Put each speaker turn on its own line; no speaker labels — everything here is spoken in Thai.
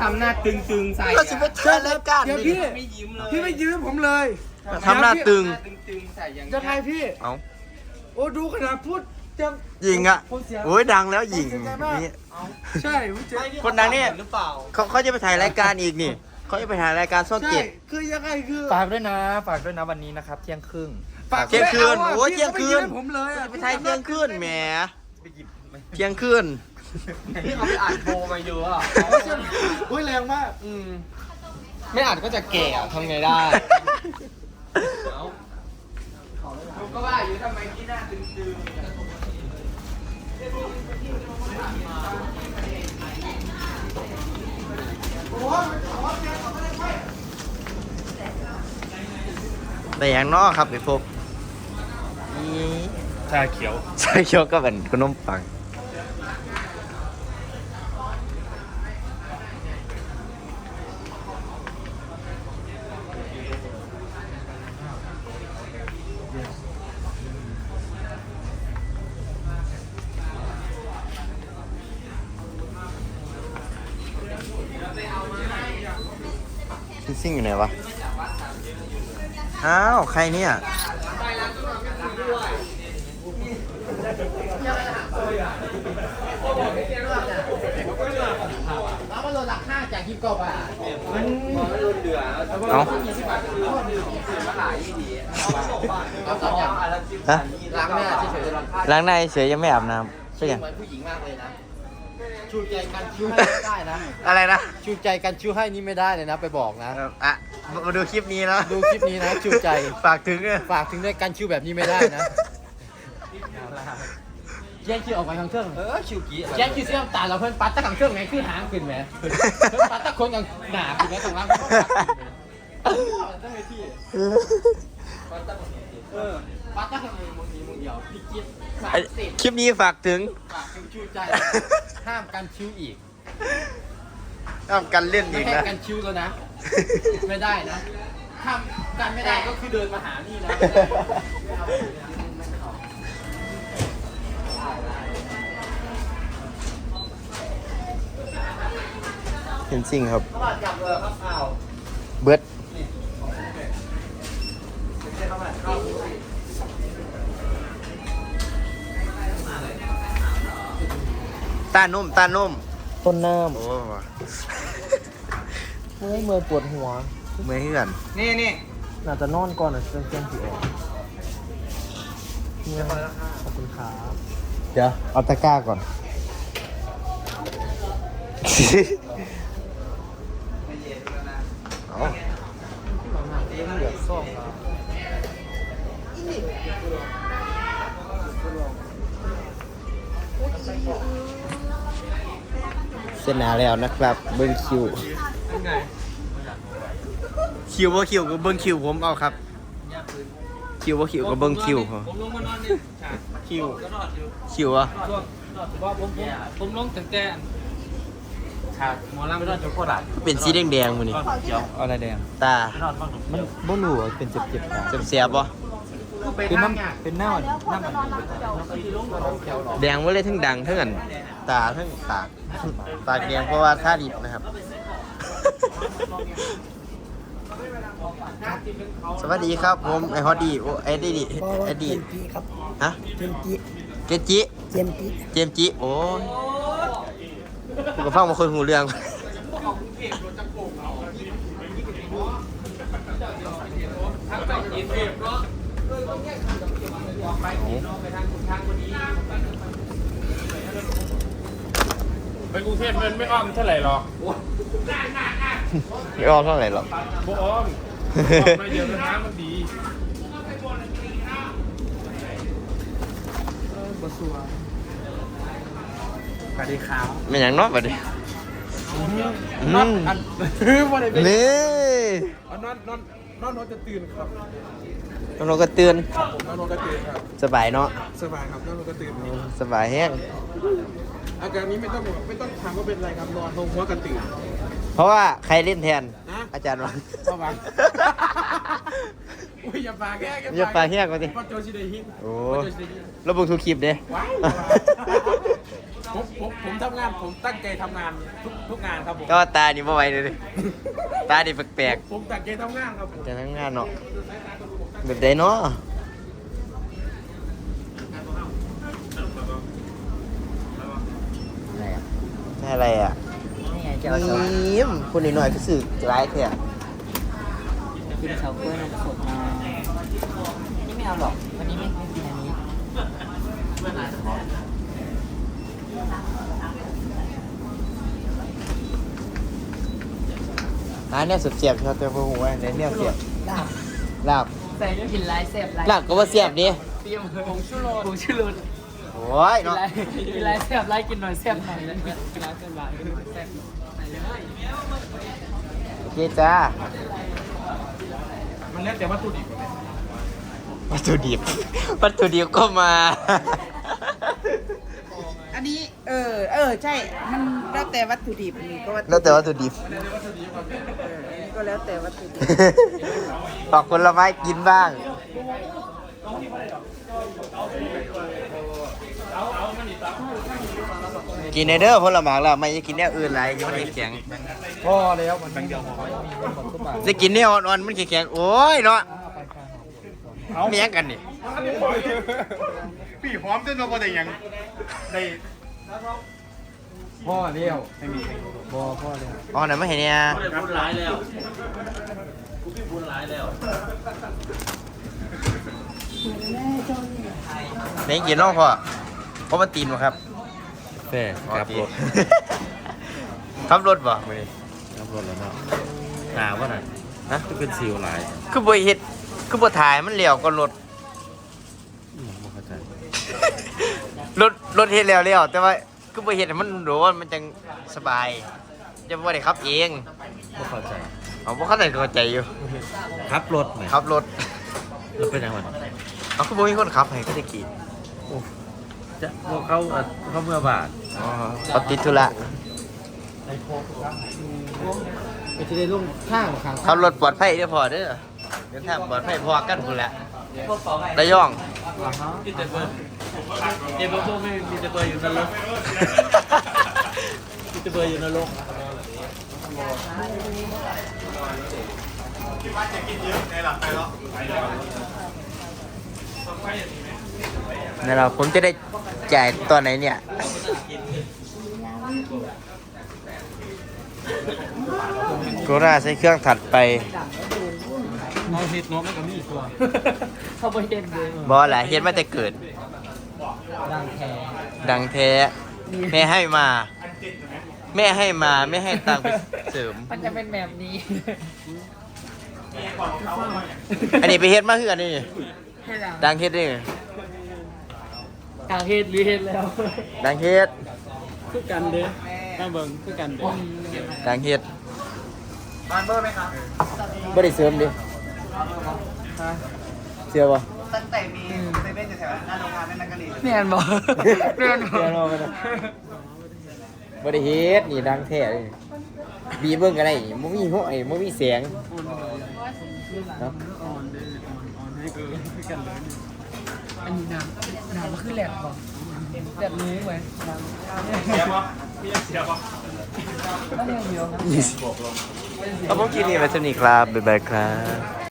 ทำหน้าตึงๆใส่
ก็สิไปเชิญรายการ
เดี๋ยว
นี่
พี่
ไม่ยิ้มเลย
พี่ไม่ยืมผมเลย
ทำหน้าตึง
ตึงๆใส่อย่าง
ยังไงพี่
เอา
โอ้ดูขนาดพูดจัง
หญิงอ่ะ
ผมเสีย
โอ้ยดังแล้วหญิง
ผมเสียใจมาก
นี่
ใช่ผมเจ็บ
คนดังเนี่ย
หรือเปล่า
เขาจะไปถ่ายรายการอีกนี่เขาจะไปถ่ายรายการช่อง
ใช่
เจ็ด
คือยังไงคือ
ฝากด้วยนะวันนี้นะครับเที่ยงครึ่ง
เที่ยงคืน
ไม่อาะ
โอ้ย
พี่
เที่ยงคืน
ก็ไม่ยืมผมเลยอะ
ไปถ่ายเที่ยงคืนแหมเที่ยงคืน
พี่เอาไปอ่านโพลมาเยอะอ่ะ
โอ้ยแรงมาก
ไม่อ่านก็จะแก่ทำไงได้ผมก็ว่าอยู่ทำไมที่หน้าตึงๆ
แต่อย่างนอกครับไปพบนี่
ชาเขียว
ใช่เคี้ยวก็เป็นขนมปังพี่ซิ่งอยู่ไหนวะ อ้าว ใครเนี่ย
แล้วมันลดราคาจากที่กบอ่ะมันลดเหลือ
เอา
20 บาทคือมาหลายดีเอาสองอย่าง
ฮะ
ล้างหน้าเฉยๆ
ล้างหน้าเฉยยังไม่อาบน้ำใช่ยัง
เหมือนผู้หญิงมากเลยนะชูใจกันคิ้วให้ไม่ได้นะ
อะไรนะ
ชูใจกันคิ้วให้นี่ไม่ได้เลยนะไปบอกนะ
อ่ะ มาดูคลิปนี้นะ
ดูคลิปนี้นะชูใจ
ฝากถึง
ฝากถึงด้วยกันคิ้วแบบนี้ไม่ได้นะแย่งคิ้วออกไปทางเครื่องคิ้วกี้แย่งคิ้วเสี้ยมตาเราเพิ่นปัดตะขังเครื่องไงคือหางขึ้นไหมเพิ่นปัดตะคนกับหนาขึ้นไหมตรงล่างปัดตะขังมึงเดียวพี่กิ๊ดฝากสิ
คลิปนี้ฝากถึง
ฝากชูใจห้ามกันคิ้วอีก
ห้ามกันเล่น
ไม่
อีก
ให้
นะ
กันคิ้วแล้วนะ ไม่ได้นะทำกันไม่ได้ก็คือเดินมาหานี่นะ
เห็นจริงครับ
จับเลยครับอ้าว
เบิร์ดตานุ่ม
ต้นน้
โอ้
ำเมื่อยปวดหัว
เมื่อยเหื่อน
นี่
น่าจะนอนก่อนนะเที่ยงผีออกขอบคุณครับ
เดี๋ยว เอาตะกร้าก่อน เอา
เหลือซ่องแล้ว
เส้นหนาแล้วนะครับ เบิ้งคิว คิวว่าคิวก็เบิ้งคิวผมเอาครับ คิวว่าคิวก็เบิ้งคิวเขา
ผมลงมานอนนี่ฉาก
คิว
ก็นอนอยู่
คิวอะ
ช่วงว่าผมลงตั้งแต่ฉากหมอลำไม่นอนอยู่โคราช
เป็นสีแดงๆมันนี่
เขียวอะไรแดง
ตา
นอนบ้างหนู
มันบ่รู้ว่าเป็นเจ็บๆ
เสียบๆปะ
เป็นน้ำเป็นหน้ามัน
แดงไว้เลยทั้งดังทั้งอันตาทั้งปากปากแดงเพราะว่าท่าดิบนะครับ สวัสดีครับผมไอฮอตดีโอไอดีดีไอดีฮะเจมจิเจมจิโอ้ยผมก็ฟังมาคนหูเรื่อง
ไปกรุงเทพมันไม่อ้อมเท่าไหร่หรอก
ไม่อ้อมเท่าไหร่หรอก
พวกอ้อมมาเยอะน้ำมันดี
สวัสดีครับ
ไม่อย่างนอกไปดิ
นอนอันคือว่าอะไรเป็น
นี่
นอนจะตื่นครับ
น้องก็เตือน
นอนก็ตื่นครับ
สบายเนาะ
สบายครับนอนก็ตื่น
สบายแห้ง
อาการนี้ไม่ต้องถามว่าเป็นอะไรครับนอนลงหัวกระตื่น
เพราะว่าใครเล่นแทน
นะ
อาจารย์วัง
เข้ามาอุ้ยอย่าปากแก้
อย่าปากแห้งกว่าสิ
พ่อโจชิเดฮิ
โอ้
พ่อโจชิเดฮิ
ระบุทุกคลิปเด้
ว้าวผมทำงานผมตั้งใจทำงานทุกงานครับผม
ก็ตานี่บ่ไหวเลยตานี่แปลก
ผมตั้งใจทำงานครับผม
ๆจะทั้งงานเนาะแบบใดเนาะอะไรอ่ะยิ้มคนหน่อยๆก็สื่อร้ายแท้
กินเฉาก๊วยนมสดมานี่ไม่เอาหรอก วันนี้ไม่กินอันนี้
เนี่ยสุดเสียบชอบตัวผู้หัวเนี่ยเสียบ
ลาบ
ลาบ
ใส่กินไรเสพไร
ลาบก็ว่าเสียบดิ
เตรียมผงชูรสผงชูรส
โอ้ย
กิน
เนาะ
ไรกินไรเสพไรกินหน่อยเสพหน่อยกินไรเสพไรกินหน่อยเสพใส่เลย
โอเคจ้า
มันแล้วแต่วัตถุดิบ
วัตถุดิบวัตถุดิบก็มา
อันนี้ใช่ มันแล้วแต่วัตถุดิบนี่ก็วัตถุ
แล้วแต่วัตถุดิบ
อันนี้ก็แล้วแต่วัตถุดิบ
ฝากผลไม้กินบ้าง กินในเด้อผลไม้แล้วไม่จะกินแนวอื่นไรยังไม่แข็ง
พอแล้วมันเป็นเดียวหอมมีคนบอกทุกบาท
จะกินแนวอ่อนๆมันแข็งๆโอ้ยเนาะไม่ยังกันนี่
พี่หอมจนเราบ่ได้ยังได้
พ่อเลี้ยวไม่มีพ่อเลี้ยว
อ๋อไหนไม่เห็นเนี่ย
พูดร้ายแล้วกูพี่พูดร้ายแล้ว
ไหนกินน้องพ่อเพราะมันตีนวะครับ
แต่
ขับรถ ขับรถบ่มื้อนี้
ขับรถแล้วเนาะหนาว่าน่ะ
ฮะ
จะเป็นซิวลาย
คือบ่เฮ็ดคือบ่ถ่ายมันเลี้ยวก็รถ
ไม่เข้าใจ
รถเฮ็ดแล้วแต่ว่าคือบ่เฮ็ดให้มันโดนมันจังสบายจะบ่ได้ขับเอง
ไม่เข้าใจ
เอาบ่เข้าใจเข้าใจอยู่
ขับรถไหม
ขับรถ
แล้วเป็นยังไง
เอาคือบ่มีคนขับให้ก็จะกี่
จะพวกเขาเมื่อบาท
อ๋อเขาติดธุระ
ไปที่ได้ลุ่งข้างข้าง
ขับรถปลอดภัยเด้อพ่อเด้อเดินทางปลอดภัยพอกันพุ่นแหละระยอง
พี่แต่เบอร์เอ็มโบไม่มีแต่เบอร์อยู่นรกมีแต่เบอร์อยู่นรก
นี่เราผมจะได้จ่ายตอนไหนเนี่ยโคราชใช้เครื่องถัดไป
เอาเห็ดเนาะมันก็มีตัว
เขาไปเห็นเลย
บอแหละเฮ็ดมาแต่เกิด
ดังแท้
ดังแท้แม่ให้มา แม่ให้มาไม่ให้ตังค์ไปเสริม
มันจะเป็นแบบนี้
อันนี้ไปเฮ็ดมาคืออันนี้
ให้ดัง
ดังเฮ็ดนี่
กลางเฮ็ดหรือเฮ็ดแล้ว
ดังเฮ็ด
คือกันเด้ข้าเบิ่งคือกันเด้
ดังเฮ็ด
บานเบอร์ไหมครับ
บ่ได้เสริมดิเชื่อบ่
ตั้งแต่มีเซเว่นอยู่แถวหน้าโรงงานนั่นก็ดี
แม่นบอกแม่นบอ
เชื่อก บ่บ่ได้เฮ็ดนี่ดังแท้เลยบีเบิ่งกันได้บ่มีหัวบ่มีเสียงเนาะ
อันนี้น้ำมันคือแหลกบอกแบบนี้ไหมน้ำ
เสียบ่มีเสียบ่
ก็เรียกเดียวนะ
20ครับผมคลิปนี้ไว้เท่านี้ครับบ๊ายบายครับ